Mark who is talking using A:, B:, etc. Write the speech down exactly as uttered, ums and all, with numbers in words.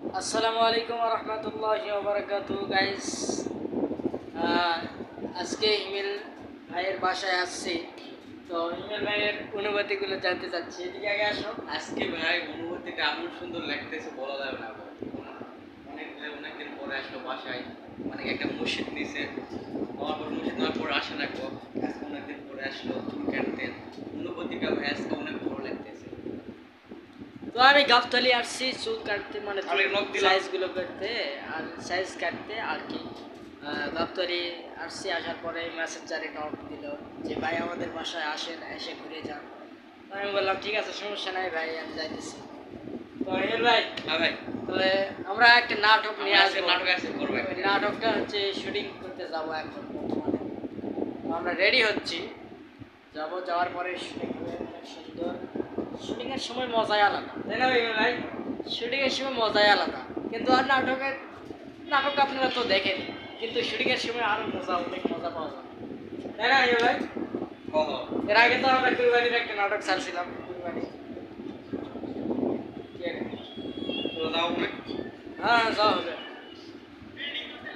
A: আসসালামু আলাইকুম ওয়া রাহমাতুল্লাহি ওয়া বারাকাতুহু গাইস। আজকে হিমেল ভাইয়ের বাসায় আসছি, তো হিমেল ভাইয়ের অনুভূতিগুলো জানতে চাচ্ছি। এদিকে আগে আসো।
B: আজকে ভাই অনুভূতিটা এমন সুন্দর লাগতেছে বলা যাবে না ভাই। অনেক অনেকদিন পরে আসলো বাসায়, অনেক একটা মসজিদ নিছে, আমার পর মসজিদ নেওয়ার পর আসে না গো। আজকে অনেকদিন পরে আসলো চুল কাটতে, অনুভূতিটা ভাই আজকে অনেক ভালো লাগতেছে।
A: তো আমি গাবতলি আসছি চুল কাটতে, মানে
B: আমি নখ দিলাম।
A: সাইজগুলো করতে আর সাইজ কাটতে আর কি। গাবতলি আসছি, আসার পরে মেসেঞ্জারে নক দিল যে ভাই আমাদের বাসায় আসেন, এসে ঘুরে যান। তো আমি বললাম ঠিক আছে, সমস্যা নাই ভাই, আমি যাইতেছি। তো হিমেল ভাই,
B: হ্যাঁ ভাই,
A: তবে আমরা একটা নাটক নিয়ে
B: আমার
A: আসবো।
B: আজকে নাটক আছে, করবো একটা।
A: ওই নাটকটা হচ্ছে শুটিং করতে যাব এখন বর্তমানে। তো আমরা রেডি হচ্ছি, যাব, যাওয়ার পরে শুটিং হবে অনেক সুন্দর। শুটিংয়ের সময় মজাই আলাদা, তাই না ভাই? ভাই শুটিংয়ের সময় মজাই আলাদা, কিন্তু আর নাটকের নাটক আপনারা তো দেখেন, কিন্তু শুটিংয়ের সময় আরো মজা, অনেক মজা পাওয়া যায়, তাই না ভাই?
B: ও হো,
A: এর আগে তো আমরা কুরবানির একটা নাটক ছাড়ছিলাম, কুরবানি।
B: তো যাও ভাই।
A: হ্যাঁ, যাওয়া হবে।